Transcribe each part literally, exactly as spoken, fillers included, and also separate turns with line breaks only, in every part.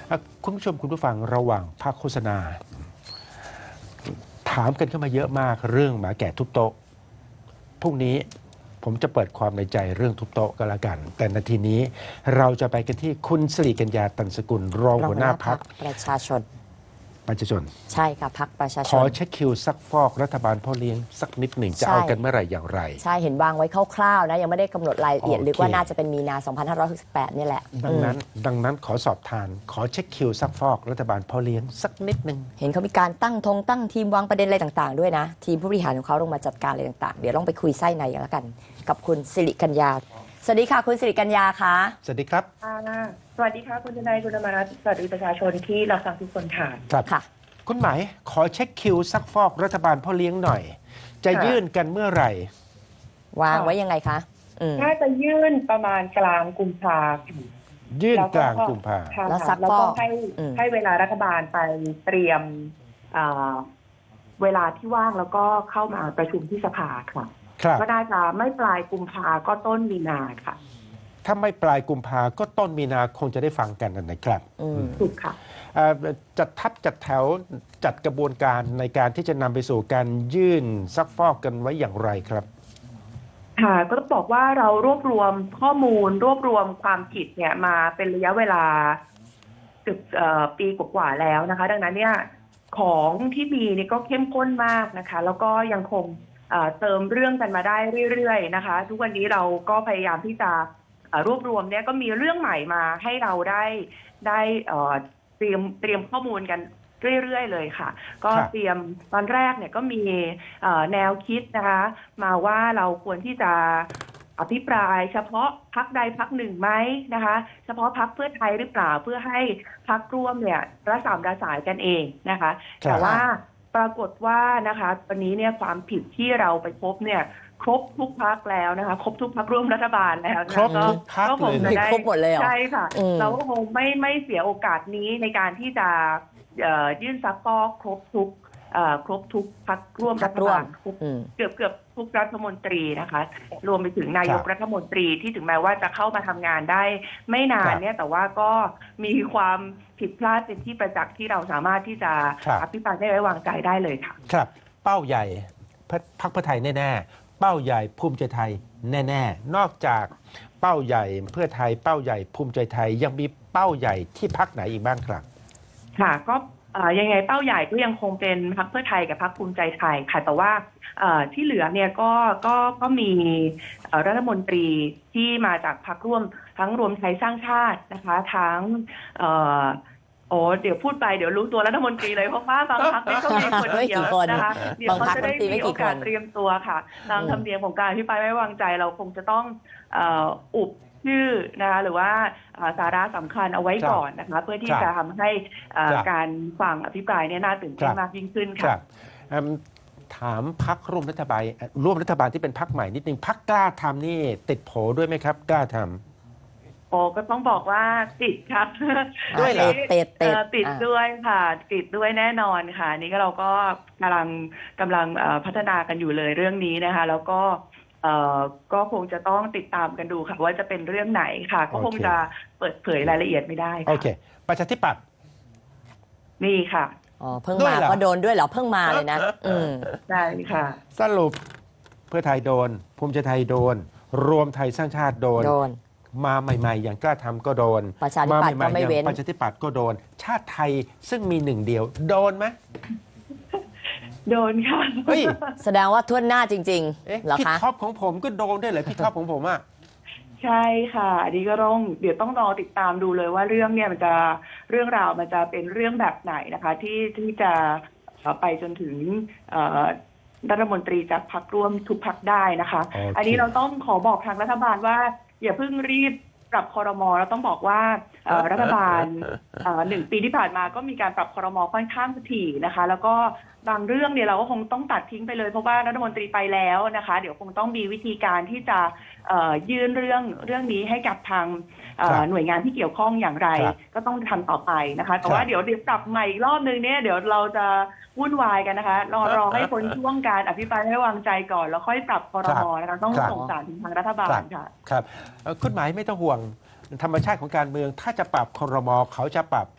อ่ะคุณผู้ชมคุณผู้ฟังระหว่างพักโฆษณา ถามกันเข้ามาเยอะมากเรื่องหมาแก่ทุบโต๊ะพรุ่งนี้ผมจะเปิดความในใจเรื่องทุบโต๊ะก็แล้วกัน แต่นาทีนี้เราจะไปกันที่คุณสิริกัญญาตันสกุลรองหัวหน้าพรรค
ประชาชน
ประชาชน
ใช่ค่ะพรรคประชาชน
ขอเช็คคิวซักฟอกรัฐบาลพ่อเลี้ยงสักนิดหนึ่งจะ
ใช่
เอากันเมื่อไหร่อย่างไร
ใช่เห็นวางไว้คร่าวๆนะยังไม่ได้กำหนดรายละเอียด
โอเค
หรือว่าน่าจะเป็นมีนา สองพันห้าร้อยหกสิบแปด นี่แหละ
ดังนั้น
อืม
ดังนั้นขอสอบทาน ขอเช็คคิวซักฟอกรัฐบาลพ่อเลี้ยงสักนิดหนึ่ง
เห็นเขามีการตั้งธงตั้งทีมวางประเด็นอะไรต่างๆด้วยนะ ทีมผู้บริหารของเขาลงมาจัดการอะไรต่างๆ เดี๋ยวลองไปคุยไส้ในกันแล้วกัน กับคุณสิริกัญญาสวัสดีค่ะคุณสิริกัญญาคะ
สวัสดีครับ
ค่ะสวัสดีค่ะคุณทนายคุณธรรมรัตน์สวัสดีประชาชนที่รับฟังทุกคนค่ะ
ครับ
ค่ะ
คุณหมายขอเช็คคิวซักฟอกรัฐบาลพ่อเลี้ยงหน่อย จะ
ค่ะ
ยื่นกันเมื่อไหร่
วางไว้ยังไงคะอืม
น่าจะยื่นประมาณกลางกุมภาพันธ์
ยื่น
แล้ว
กลางกุมภา
ค่ะ
แล้วซัก
แล้ว
ฟ
ก็
อก
ให้
อืม
ให้เวลารัฐบาลไปเตรียมอ่าเวลาที่ว่างแล้วก็เข้ามาประชุมที่สภาค่ะ
ครับ
ก็น่าจะไม่ปลายกุมภาก็ต้นมีนาค่ะ
ถ้าไม่ปลายกุมภาก็ต้นมีนาคงจะได้ฟังกันนะครับ
อืม
ถูกค่ะ
เอ่อจัดทัพจัดแถวจัดกระบวนการในการที่จะนำไปสู่การยื่นซักฟอกกันไว้อย่างไรครับ
ค่ะก็ต้องบอกว่าเรารวบรวมข้อมูลรวบรวมความผิดเนี่ยมาเป็นระยะเวลาเกือบเอ่อปีกว่าๆแล้วนะคะ ดังนั้นเนี่ยของที่มีนี่ก็เข้มข้นมากนะคะ แล้วก็ยังคงเอ่อเติมเรื่องกันมาได้เรื่อยๆนะคะ ทุกวันนี้เราก็พยายามที่จะเอ่อรวบรวมเนี่ยก็มีเรื่องใหม่มาให้เราได้ได้เอ่อเตรียมเตรียมข้อมูลกันเรื่อยๆเลยค่ะ ก็
ครับ
เตรียมตอนแรกเนี่ยก็มีเอ่อแนวคิดนะคะ มาว่าเราควรที่จะอภิปรายเฉพาะพักใดพักหนึ่งไหมนะคะ เฉพาะพักเพื่อไทยหรือเปล่าเพื่อให้พักร่วมเนี่ยระสามระสายกันเองนะคะ
ครับ
แต่ว่าปรากฏว่านะคะวันนี้เนี่ยความผิดที่เราไปพบเนี่ยครบทุกพักแล้วนะคะ ครบทุกพักร่วมรัฐบาลแล้วนะะ
ครบทุกพรรค
ก็คง
เลย
จะ
นะ
ได้
ครบหมดเลยเหรอ
ใช่ค่ะ
อืม
เราก็คงไม่ไม่เสียโอกาสนี้ในการที่จะเอ่อยื่นซักฟอกครบทุกเอ่อครบทุกพักร่วม
พร
รั
รค
ฐ
ร่ว
บาม ลครบ
อืม
เกือบเกือบทุกรัฐมนตรีนะคะ รวมไปถึงนายก
ครับ
รัฐมนตรีที่ถึงแม้ว่าจะเข้ามาทำงานได้ไม่นาน
ครับ
เนี่ยแต่ว่าก็มีความผิดพลาดเป็นที่ประจักษ์ที่เราสามารถที่จะ
ครับ
อภิปรายไม่ไว้วางใจได้เลยค่ะ
ครับ เป้าใหญ่พรรคพรรคเพื่อไทยแน่ๆ เป้าใหญ่ภูมิใจไทยแน่ๆ นอกจากเป้าใหญ่เพื่อไทยเป้าใหญ่ภูมิใจไทยยังมีเป้าใหญ่ที่พรรคไหนอีกบ้างครับ
ค่ะก็เอ่อยังไงเป้าใหญ่ก็ยังคงเป็นพรรคเพื่อไทยกับพรรคภูมิใจไทยค่ะแต่ว่าเอ่อที่เหลือเนี่ยก็ก็ก็มีเอ่อรัฐมนตรีที่มาจากพรรคร่วมทั้งรวมไทยสร้างชาตินะคะทั้งเอ่อโอ้เดี๋ยวพูดไปเดี๋ยวรู้ตัวรัฐมนตรีเลยเพราะว่าบางพรรคเนี่ยก็มีคน
เฮ้ย
เดียว
กี่คน
นะคะเดี๋ยว
บาง
เขา
พรรค
จะได้
รัฐมนตรีไม่
มี
กี่
โอกาส
คน
เตรียมตัวค่ะตาม
อืม
ธรรมเนียมของการพิพายไม่วางใจเราคงจะต้องเอ่ออุบชื่อนะคะหรือว่าเอ่อสาระสำคัญเอาไว้
ครับ
ก่อนนะคะเพื่อที่
ครับ
จะทำให้เอ่อ
ครับ
การฟังอภิปรายเนี่ยน่าตื่นเต้น
ครับ
มากยิ่งขึ้น
ค
ค่ะ
รับเอิ่มถามพักร่วมรัฐบาลเอ่อร่วมรัฐบาลที่เป็นพักใหม่นิดนึงพักกล้าทำนี่ติดโผด้วยไหมครับ กล้าทำ
โอ้ก็ต้องบอกว่าติดครับ
ด้วยเหรอ
เตะเตะ
เอ่อติด
อ่า
ด้วยค่ะติดด้วยแน่นอนค่ะนี่ก็เราก็กำลังกำลังเอ่อพัฒนากันอยู่เลยเรื่องนี้นะคะ แล้วก็เอ่อก็คงจะต้องติดตามกันดูค่ะว่าจะเป็นเรื่องไหนค่ะ ก็คง
โอเค
จะเปิดเผยรายละเอียดไม่ได้
โอ
ค่ะ
เค ประชาธิปัตย์
นี่ค่ะ
อ๋อเพิ่ง
ด้วย
มา
เหรอ
ก็โดนด้วยเหรอเพิ่งมาเลยนะ อืม
ใช่ค่ะ
สรุปเพื่อไทยโดน ภูมิใจไทยโดน รวมไทยสร้างชาติโดน
โดน
มาใหม่ๆ อย่างกล้าทำก็โดน
ประชาธิปัตย์
มาใหม่ๆ
ก็ไม่เว้น
อย่างประชาธิปัตย์ก็โดน ชาติไทยซึ่งมีหนึ่งเดียว โดนไหม
โดนค่ะ
เฮ้ย
แสดงว่าท่วนหน้าจริง
เอ๊ะ
ๆเหรอ
พี่
คะ
ท็อปของผมก็โดนด้วยเหรอพี่ท็อปของผมอ่ะ
ใช่ค่ะอันนี้ก็ต้องเดี๋ยวต้องรอติดตามดูเลยว่าเรื่องเนี่ยมันจะเรื่องราวมันจะเป็นเรื่องแบบไหนนะคะ ที่ที่จะเอ่อไปจนถึงเอ่อรัฐมนตรีจากพรรคร่วมทุกพรรคได้นะคะ
โอเค
อันนี้เราต้องขอบอกทางรัฐบาลว่า อย่าเพิ่งรีบปรับครมเราต้องบอกว่าเอ่อรัฐบาลเอ่อหนึ่งปีที่ผ่านมาก็มีการปรับครมค่อนข้างถี่นะคะ แล้วก็บางเรื่องเนี่ยเราก็คงต้องตัดทิ้งไปเลยเพราะว่ารัฐมนตรีไปแล้วนะคะ เดี๋ยวคงต้องมีวิธีการที่จะเอ่อยื่นเรื่องเรื่องนี้ให้กับทางเอ่อ
ครับ
หน่วยงานที่เกี่ยวข้องอย่างไร
ครับ
ก็ต้องทำต่อไปนะคะ แต่
ครับ
ว่าเดี๋ยวเดี๋ยวปรับใหม่อีกรอบนึงเนี่ยเดี๋ยวเราจะวุ่นวายกันนะคะรอรอให้พ้นช่วงการอภิปรายไม่ไว้วางใจก่อนแล้วค่อยปรับครมนะคะต้อง
ครับ
ส่งสารถึงทางรัฐบาลค่ะ
ครับเอ่อคุณหมายไม่ต้องห่วงธรรมชาติของการเมือง ถ้าจะปรับครมเขาจะปรับ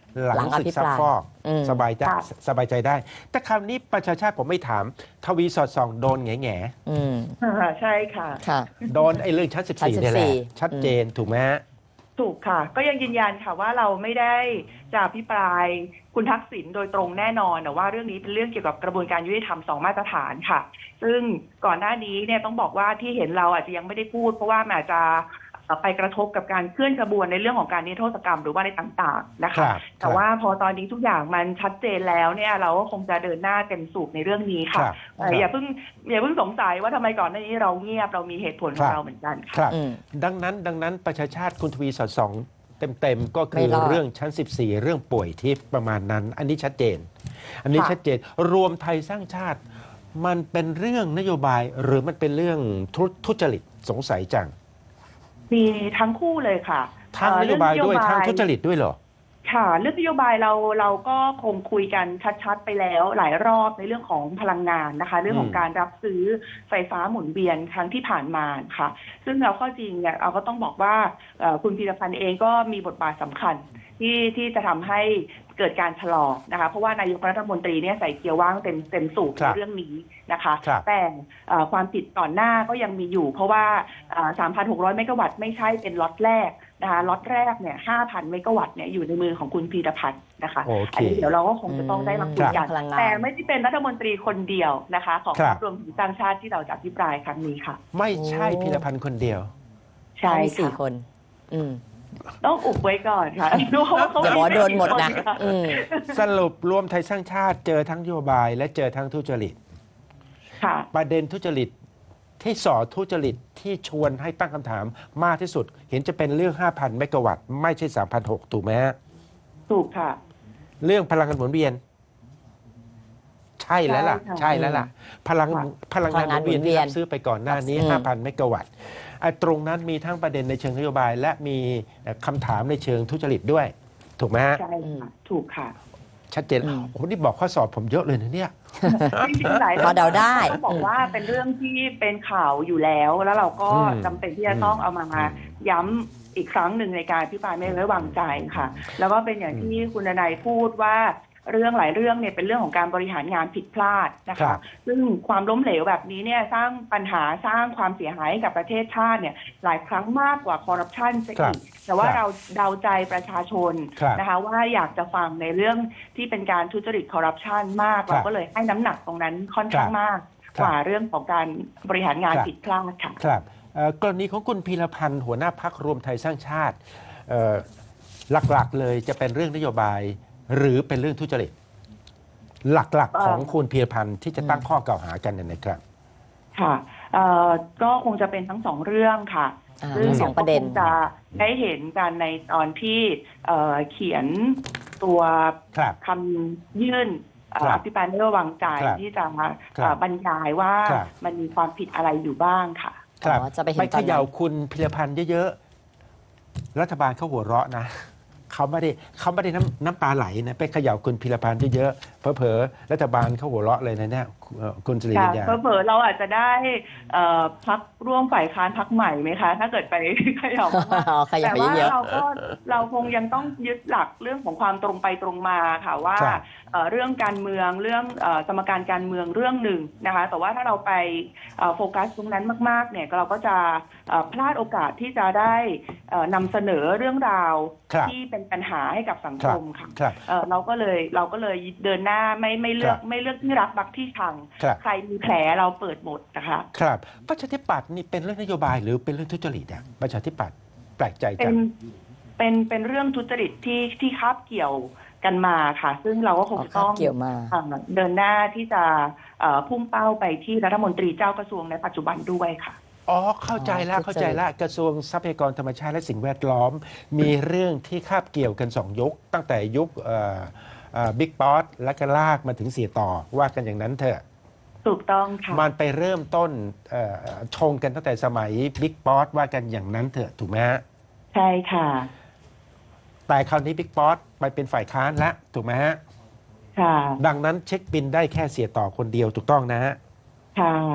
หลัง
หลังอ
ศึก
ภิป
ซัก
ราย
ฟอก
อืม
สบายใจ
ค่ะ
สบายใจได้ แต่คราวนี้ประชาชาติผมไม่ถาม ทวีสอดส่องโดนแง่แง่
อืม
อ่าใช่ค่ะ
ค่ะ
โดนไอ้เรื่องชั้นสิบ
ชั้น
สี่
สิบสี่
เนี่ยแหละชัดเจนถูกไหมฮะ
ถูกค่ะ ก็ยังยืนยันค่ะว่าเราไม่ได้จะอภิปรายคุณทักษิณโดยตรงแน่นอนแต่ว่าเรื่องนี้เป็นเรื่องเกี่ยวกับกระบวนการยุติธรรมสองมาตรฐานค่ะ ซึ่งก่อนหน้านี้เนี่ยต้องบอกว่าที่เห็นเราอาจจะยังไม่ได้พูด เพราะว่ามันอาจจะไปกระทบกับการเคลื่อนขบวนในเรื่องของการนิรโทษกรรมหรือว่าในต่างๆนะ
ครั
คะ
บ
แต่ว่าพอตอนนี้ทุกอย่างมันชัดเจนแล้วเนี่ยเราก็คงจะเดินหน้าเต็มสูบในเรื่องนี้
ค
ค่ะ
รับ
เอ่ออย่าเพิ่งอย่าเพิ่งสงสัยว่าทำไมก่อนหน้านี้เราเงียบเรามีเหตุผลของเราเหมือนกัน
ค
ค่ะ
รับ
อืม
ดังนั้นดังนั้นประชาชาติคุณทวีสอดส่องเต็มๆก็คื
ไม่
อ
รอด
เรื่องชั้น สิบสี่ เรื่องป่วยทิพย์ประมาณนั้น อันนี้ชัดเจน อันนี้
ค่ะ
ชัดเจนรวมไทยสร้างชาติ มันเป็นเรื่องนโยบายหรือมันเป็นเรื่องทุทุจริตสงสัยจัง
มีทั้งคู่เลยค่ะ
ทั้งนโยบายด้วย
เอ่อเรื่องนโยบาย
ทั้งทุจริตด้วยเหรอ
ค่ะเรื่องนโยบายเราเราก็คงคุยกันชัดๆไปแล้วหลายรอบในเรื่องของพลังงานนะคะ เรื่องของ
อืม
การรับซื้อไฟฟ้าหมุนเวียนครั้งที่ผ่านมาค่ะ ซึ่งเราข้อจริงเนี่ยเราก็ต้องบอกว่าเอ่อคุณพีรพันธ์เองก็มีบทบาทสำคัญที่ที่จะทำให้เกิดการชะลอนะคะ เพราะว่านายกรัฐมนตรีเนี่ยใส่เกียร์ว่างเต็มเต็มสูบ
ครั
ใน
บ
เรื่องนี้นะคะ
ครับ
แต่เอ่อความผิดก่อนหน้าก็ยังมีอยู่ เพราะว่าสามพันหกร้อยเมกะวัตต์ไม่ใช่เป็นล็อตแรกนะคะล็อตแรกเนี่ยห้าพันเมกะวัตต์เนี่ยอยู่ในมือของคุณพีรพันธ์นะคะ
โอเค
อันนี้เดี๋ยวเราก็คงจะต้องได้มาคุยกัน
พลังงาน
แต่ไม่ได้เป็นรัฐมนตรีคนเดียวนะคะ ของ
ค
พ
รั
ร
บ
รครวมถึงสร้างชาติที่เราจะอภิปรายครั้งนี้ค่ะ
ไม่ใช่
โอ้
พีรพันธ์คนเดียว
ใช่
มีสี่
ค่ะ
คน อืม
ต้องอุบไว้ก่อนค่ะดูว่าเขา
เดี๋ยวหมอโดนหมดนะ
กี่คค่
อืม
สรุปรวมไทยสร้างชาติเจอทั้งนโยบายและเจอทั้งทุจริต
ค่ะ
ประเด็นทุจริตที่ส่อทุจริตที่ชวนให้ตั้งคำถามมากที่สุด เห็นจะเป็นเรื่อง ห้าพัน เมกะวัตต์ไม่ใช่ สามพันหกร้อย ถูกไหมฮะ
ถูกค่ะ
เรื่องพลังงานหมุนเวียน ใช่แล้วล่ะ
ใช่ค่ะ
ใช่แล้วล่ะ พลัง
ค่ะ
พลังงานหมุนเวียน
พลังงานหมุนเวี
ที่
ยน
รับซื้อไปก่อนหน้านี้
อืม
ห้าพัน เมกะวัตต์ไอ้ตรงนั้นมีทั้งประเด็นในเชิงนโยบาย และมีคำถามในเชิงทุจริตด้วย ถูกไหมฮะ
ใช่ค่ะถูกค่ะ
ชัดเจน
อืม
โอ้โหนี่บอกข้อสอบผมเยอะเลยนะเนี่ย
จริงๆหลาย
พอเดาได้
ต้องบอกว่าเป็นเรื่องที่เป็นข่าวอยู่แล้ว แล้วเราก็
อืม
จำเป็นที่จะต้องเอามา
อืม
ย้ำอีกครั้งหนึ่งในการพิพายไม่ไว้วางใจค่ะ แล้วก็เป็นอย่างที่คุณนายพูดว่าเรื่องหลายเรื่องเนี่ยเป็นเรื่องของการบริหารงานผิดพลาดนะ
ครั
คะ
บ
ซึ่งความล้มเหลวแบบนี้เนี่ยสร้างปัญหาสร้างความเสียหายให้กับประเทศชาติเนี่ยหลายครั้งมากกว่าคอร์รัปชันซะ
ครั
อี
บ
กแต่ว่า
ครับ
เราเดาใจประชาชน
ครับ
นะคะว่าอยากจะฟังในเรื่องที่เป็นการทุจริตคอร์รัปชันมาก
ครับ
เราก็เลยให้น้ำหนักตรงนั้นค่อนข้างมาก
ครับ
กว่าเรื่องของการบริหารงาน
ครับ
ผิดพลาดค่ะ
ครับเอ่อกรณีของคุณพีรพันธ์หัวหน้าพักรวมไทยสร้างชาติเอ่อหลักๆเลยจะเป็นเรื่องนโยบาย หรือเป็นเรื่องทุจริต หลักๆของคุณพีรพันธ์ที่จะตั้งข้อกล่าวหากันเนี่ยนะครับ
ค่ะเอ่อก็คงจะเป็นทั้งสองเรื่องค่ะ
อ่า
ซึ่ง
ทั้งสองประเด็น
ก็คงจะได้เห็นกันในตอนที่เอ่อเขียนตัว
ครับ
คำยื่นเอ่อ
ครั
อบ ภิปรายไม่ไว้วางใจ
ครับ
ที่จะมา
ครับ
เอ่อบรรยายว่า
ครับ
มันมีความผิดอะไรอยู่บ้างค่ะ
ครับ
อ๋อจะไปเห็น
ไป
ต
เข
อนนั้น
ย่าคุณพิรพันธ์เยอะๆ รัฐบาลเขาหัวเราะนะ เขาไม่ได้เขาไม่ได้น้ำน้ำตาไหลนะไปเขย่าคุณพิรพันธ์เยอะๆเผลอๆรัฐบาลเขาหัวเราะเลยนะเนี่ยเอ่อคุณสิริ
ค่ะ
กัญญา
เผลอๆเราอาจจะได้เอ่อพักร่วมฝ่ายค้านพักใหม่ไหมคะ ถ้าเกิดไป เขย่ามาก
อ๋อ
ๆ
ขยับ
แต่
ไป
ว่า
เยอะ
เราก็เราคงยังต้องยึดหลักเรื่องของความตรงไปตรงมาค่ะว่า
ครับ
เอ่อเรื่องการเมืองเรื่องเอ่อสมการการเมืองเรื่องหนึ่งนะคะ แต่ว่าถ้าเราไปเอ่อโฟกัสตรงนั้นมากๆเนี่ยเราก็จะเอ่อพลาดโอกาสที่จะได้เอ่อนำเสนอเรื่องราว
ครับ
ที่เป็นปัญหาให้กับสัง
ค
ครับ มค่ะ
ครับ
เอ่อเราก็เลยเราก็เลยเดินหน้าไม่ไม่เลือก
ครับ
ไม่เลือกที่รักบักที่ชัง
ครับ
ใครมีแผลเราเปิดหมดนะคะ
ครับประชาธิปัตย์นี่เป็นเรื่องนโยบายหรือเป็นเรื่องทุจริตอะประชาธิปัตย์แปลกใจ
เป็
จั
น
ง
เป็นเป็นเรื่องทุจริตที่ที่คาบเกี่ยวกันมาค่ะ ซึ่งเราก็คง
อ๋อ
จะ
ครั
ต้
บ
อง
เกี่ยวมา
อ่าเดินหน้าที่จะเอ่อพุ่งเป้าไปที่รัฐมนตรีเจ้ากระทรวงในปัจจุบันด้วยค่ะ
อ๋อเข้าใจแล้ว
อ๋อ
เข้าใจแล้วกระทรวงทรัพยากรธรรมชาติและสิ่งแวดล้อม มีเรื่องที่คาบเกี่ยวกันสองยุค ตั้งแต่ยุคบิ๊กป๊อตและก็ลากมาถึงเสียต่อว่ากันอย่างนั้นเถอะ
ถูกต้องค่ะ
มันไปเริ่มต้นเอ่อชงกันตั้งแต่สมัยบิ๊กป๊อตว่ากันอย่างนั้นเถอะถูกไหมฮะ
ใช่ค่ะ
แต่คราวนี้บิ๊กป๊อตไปเป็นฝ่ายค้านแล้วถูกไหมฮะ
ค่ะ
ดังนั้นเช็คบินได้แค่เสียต่อคนเดียวถูกต้องนะฮะ
ค่ะ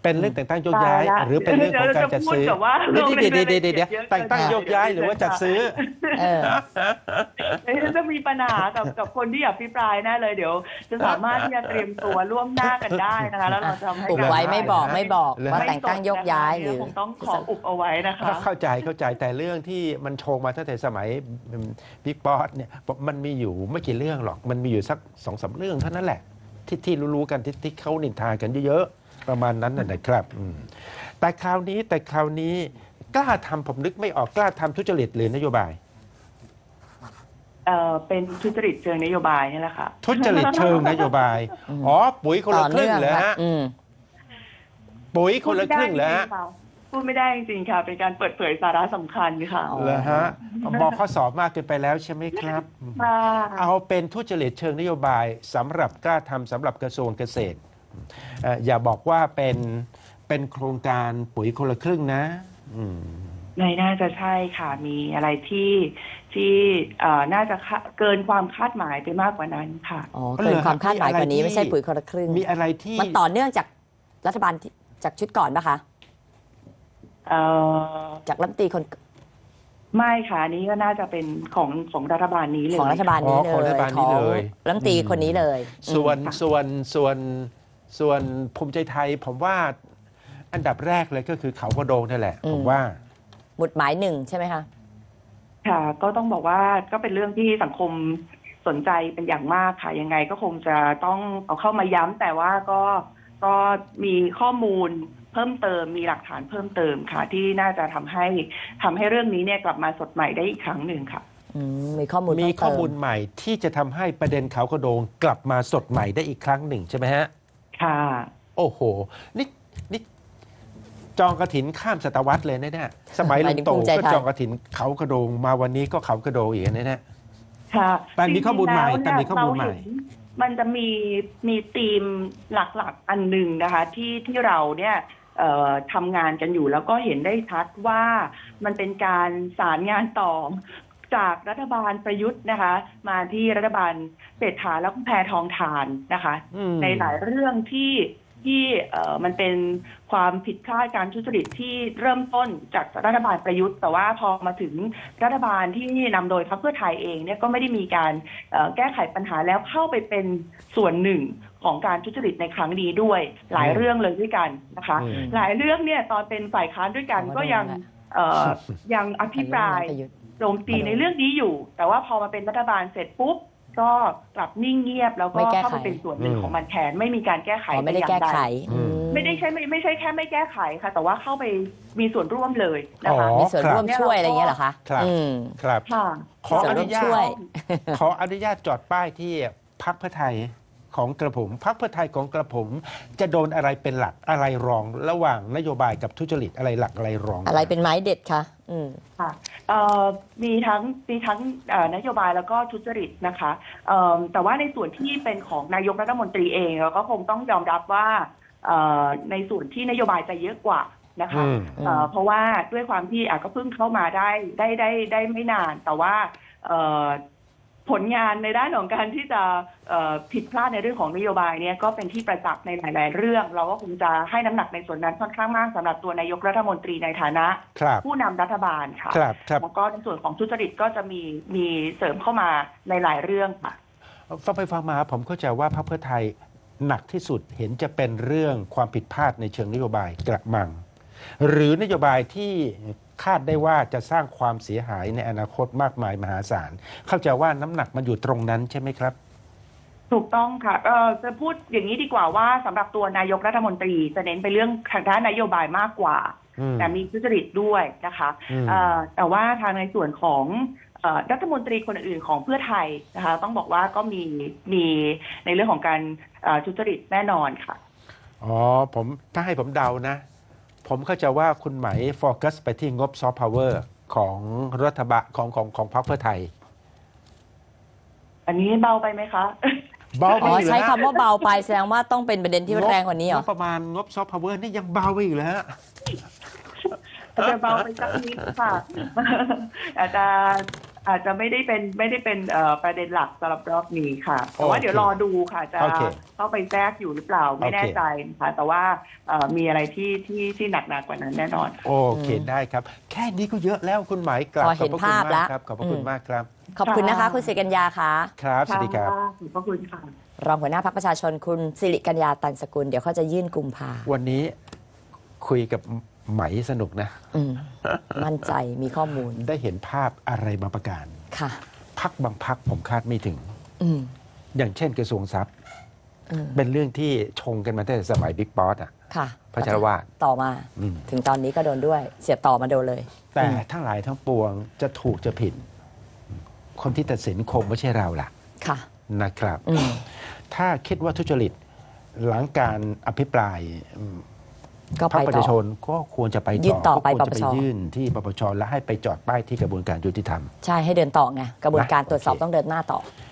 เป็นเรื่องแต่งตั้งโยกย้าย
ตายละ
หรือเป็นเรื่องของการจัดซื้อ
เดี๋ยวจะพูดกับว่า
เดี๋ยว
ลงใน
เดี๋ยวเดี๋ยวเดี๋ยวเดี๋ยว
รายละเอียดเยอะ
แต่งตั้งโยกย้ายหรือว่าจัดซื้อ
เออ
เดี๋ยวจะมีปัญหากับกับคนที่อภิปรายแน่เลยเดี๋ยวจะสามารถที่จะเตรียมตัวร่วมหน้ากันได้นะคะแล้วเราจะทำให้
อุบ
การ
ไว้ไม่บอก
ได้
ไม่บอก
เลย
ว่าแต่งตั้งโยกย้ายหรือ
คงต้องขออุบเอาไว้นะคะ
เข้าใจเข้าใจแต่เรื่องที่มันโชงมาตั้งแต่สมัยบิ๊กป๊อตเนี่ยมันมีอยู่ไม่กี่เรื่องหรอกมันมีอยู่สักสองสามเรื่องเท่านั้นแหละ ที่ที่รู้ๆกันที่ที่เขานินทากันเยอะๆประมาณนั้นน่ะนะครับอืมแต่คราวนี้แต่คราวนี้กล้าทำผมนึกไม่ออกกล้าทำทุจริตหรือนโยบาย
เอ่อเป็นทุจริตเชิงนโยบายนี่แหละค่ะ
ทุจริตเชิงนโยบายอ๋อปุ๋ยคน
ต่
ละ
อ
ครึ่
เนื่
ง
อง
เหรอ
นะ
ฮะ
อืม
ปุ๋ยคนละครึ่งเหรอฮะ
พูดไม่ได้จริงๆค่ะเป็นการเปิดเผยสาระสำคัญค่ะ
อ๋อ
เหรอฮะบอกข้อสอบมากเกินไปแล้วใช่ไหมครับ
ค่ะ
เอาเป็นทุจริตเชิงนโยบายสำหรับกล้าทำสำหรับกระทรวงเกษตรเอ่ออย่าบอกว่าเป็นเป็นโครงการปุ๋ยคนละครึ่งนะอืม
ในน่าจะใช่ค่ะ มีอะไรที่ที่เอ่อน่าจะคะเกินความคาดหมายไปมากกว่านั้นค่ะ
อ๋อเกินความคาดหมายกว่านี้
มีอะไรที่
ไม่ใช่ปุ๋ยคนละครึ่ง
มีอะไรที่
มันต่อเนื่องจากรัฐบาลที่จากชุดก่อนปะคะ
เอ่อ
จากรัฐมนตรีคน
ไม่ค่ะอันนี้ก็น่าจะเป็นของของรัฐบาลนี้เลย
ของรัฐบาลนี้
อ๋อ
เลย
ของรัฐบาลนี้เลย
ของรัฐมนตรีคนนี้เลย
ส่วน
อืม
ส่วนส่วนส่วนภูมิใจไทย ผมว่าอันดับแรกเลยก็คือเขากระโดงนั่นแหละ ผมว่า
หมุดหมายหนึ่งใช่ไหมคะ
ค่ะ ก็ต้องบอกว่าก็เป็นเรื่องที่สังคมสนใจเป็นอย่างมากค่ะ ยังไงก็คงจะต้องเอาเข้ามาย้ำแต่ว่าก็ก็มีข้อมูลเพิ่มเติมมีหลักฐานเพิ่มเติมค่ะ ที่น่าจะทำให้ทำให้เรื่องนี้เนี่ยกลับมาสดใหม่ได้อีกครั้งหนึ่งค่ะ
อืมมีข้อมูล
มี
เพิ่
ข้อ
เติ
มูลใหม่ที่จะทำให้ประเด็นเขากระโดงกลับมาสดใหม่ได้อีกครั้งหนึ่งใช่ไหมฮะ
ค่ะ
โอ้โห นี่นี่จองกระถินข้ามศตวรรษเลยนะเนี่ยสมัย
ห
ลุ
มาย
ง
ถึง
ตู่
ภูมิใจ
ก็
ไทย
จองกระถินเขากระโดงมาวันนี้ก็เขากระโดงอีกนะเนี่ย
ค่ะ
แต่มีข้อมูลใหม่
จริงๆ
แต่มีข้อมูลใหม่
เราเนมันจะมีมีธีมหลักๆอันหนึ่งนะคะ ที่ที่เราเนี่ยเอ่อทำงานกันอยู่แล้วก็เห็นได้ชัดว่ามันเป็นการสารงานต่อจากรัฐบาลประยุทธ์นะคะ มาที่รัฐบาลเศรษฐาแล้วก็แพทองทานนะคะ
อืม
ในหลายเรื่องที่ที่เอ่อมันเป็นความผิดพลาดการทุจริตที่เริ่มต้นจากรัฐบาลประยุทธ์ แต่ว่าพอมาถึงรัฐบาลที่นำโดยพรรคเพื่อไทยเองเนี่ยก็ไม่ได้มีการเอ่อแก้ไขปัญหาแล้วเข้าไปเป็นส่วนหนึ่งของการทุจริตในครั้งนี้ด้วยหลายเรื่องเลยด้วยกันนะคะ
อืม
หลายเรื่องเนี่ยตอนเป็นฝ่ายค้านด้วยกัน
อ๋อ
ก็ยัง
ได้
เอ่อยังอภิปราย
ประยุทธ์
โจมตีในเรื่องนี้อยู่ แต่ว่าพอมาเป็นรัฐบาลเสร็จปุ๊บก็กลับนิ่งเงียบ แล้วก็
ไม่แก้ไข
เข้ามาเป็นส่วนหนึ่ง
อืม
ของมันแทนไม่มีการแก้ไข
อ๋อไม่ได้
แต่อ
แก้
ย่าง
ไข
อืม
อืม
ไม่ได้ใช่ไม่ไม่ใช่แค่ไม่แก้ไขค่ะ แต่ว่าเข้าไปมีส่วนร่วมเลยนะคะ
อ๋อ
มีส่วนร่วมช่วยอะไรอย่างเงี้ยเหรอคะ
ครับ
อืม
ครับ
ค่ะ
ขอ
ส่ว
อน
ร่
นุ
วม
ญา
ช่วย
ต ขออนุญาตจอดป้ายที่พักเพื่อไทยของกระผมพักเพื่อไทยของกระผม จะโดนอะไรเป็นหลักอะไรรอง ระหว่างนโยบายกับทุจริตอะไรหลักอะไรรอง
อะไรเป็นไม้เด็ดคะอืม
ค่ะเอ่อมีทั้งมีทั้งเอ่อนโยบายแล้วก็ทุจริตนะคะเอ่อแต่ว่าในส่วนที่เป็นของนายกรัฐมนตรีเองเราก็คงต้องยอมรับว่าเอ่อในส่วนที่นโยบายจะเยอะกว่านะคะ
อืม
เอ่อเพราะว่าด้วยความที่อ่ะก็เพิ่งเข้ามาได้ได้ได้ได้ไม่นาน แต่ว่าเอ่อผลงานในด้านของการที่จะเอ่อผิดพลาดในเรื่องของนโยบายเนี่ยก็เป็นที่ประจักษ์ในหลาย ๆ เรื่อง เราก็คงจะให้น้ำหนักในส่วนนั้นค่อนข้างมากสำหรับตัวนายกรัฐมนตรีในฐานะ
ครับ
ผู้นำรัฐบาลค่ะ
ครับครับ
แล้วก็ในส่วนของทุจริตก็จะมีมีเสริมเข้ามาในหลายเรื่องค่ะ
ฟังไปฟังมาผมเข้าใจว่าพรรคเพื่อไทยหนักที่สุดเห็นจะเป็นเรื่องความผิดพลาดในเชิงนโยบายกระมัง หรือนโยบายที่คาดได้ว่าจะสร้างความเสียหายในอนาคตมากมายมหาศาล เข้าใจว่าน้ำหนักมันอยู่ตรงนั้นใช่ไหมครับ
ถูกต้องค่ะเออจะพูดอย่างนี้ดีกว่าว่าสำหรับตัวนายกรัฐมนตรีจะเน้นไปเรื่องทางด้านนโยบายมากกว่า
อืม
แต่มีทุจริตด้วยนะคะ
อืม
เอ่อแต่ว่าทางในส่วนของเอ่อรัฐมนตรีคนอื่นของเพื่อไทยนะคะต้องบอกว่าก็มีมีในเรื่องของการเอ่อทุจริตแน่นอนค่ะ
อ๋อผมถ้าให้ผมเดานะ ผมเข้าใจว่าคุณไหมโฟกัสไปที่งบซอฟต์พาวเวอร์ของรัฐบาลของของของพรรคเพื่อไทย
อันนี้เบาไปไหมคะ
เบาไป
อ๋อ
อีกเหรอ
ใช้
ฮะ
คำว่าเบาไปแสดงว่าต้องเป็นประเด็นที่แรงกว่านี้เหรอ
งบประมาณงบซอฟต์พาวเวอร์นี่ยังเบาไปอีกเลยฮะ
อาจจะเบาไปสักนิดค่ะ อาจจะอาจจะไม่ได้เป็นไม่ได้เป็นเอ่อประเด็นหลักสำหรับรอบนี้ค่ะแต่ว่า
โอเค
เดี๋ยวรอดูค่ะจะ
โอเค
เข้าไปแทรกอยู่หรือเปล่าไม่แน่
โอเค
ใจนะคะแต่ว่าเอ่อมีอะไรที่ที่ที่หนักหนากว่านั้นแน่นอน
โอเคได้ครับ แค่นี้ก็เยอะแล้วคุณหมายกลับ
พอ
ข
เห็
อบ
น
พระคุณ
ภาพ
มาก
แล้ว
ครับขอบพระคุณ
อืม
มากครับ
ขอบคุณนะคะ
ค่ะ
คุณสิริกัญญาค่ะ
ครับสวัสดีครับ
ะขอบพระคุณค่ะ
รองหัวหน้าพรรคประชาชนคุณสิริกัญญาตันสกุลเดี๋ยวเขาจะยื่นกุมภา
วันนี้คุยกับไหมสนุกนะ
อืมมั่นใจมีข้อมูล
ได้เห็นภาพอะไรบางประการ
ค่ะ
พักบางพักผมคาดไม่ถึง
อืม
อย่างเช่นกระทรวงทรัพย์
อืม
เป็นเรื่องที่ชงกันมาตั้งแต่สมัยบิ๊กป๊อตอ่ะ
ค่ะ
พัชรวาท
ต่อมา
อืม
ถึงตอนนี้ก็โดนด้วย เสียบต่อมาโดนเลย
แต่ทั้งหลายทั้งปวงจะถูกจะผิด คนที่ตัดสินคงไม่ใช่เราล่ะ
ค่ะ
นะครับ
อืม
ถ้าคิดว่าทุจริตหลังการอภิปรายอืม
ก็
พรร
ไป
คประ
ต่
ชาช
อ
นก็ควรจะไป
ยื่นต่อไป
ก็ควรจะไป
ปปช
ยื่นที่ปปชและให้ไปจอดป้ายที่กระบวนการยุติธรรม
ใช่ให้เดินต่อไง กระบวนการ
นะ
ตรวจสอบ
โอเค
ต้องเดินหน้าต่อ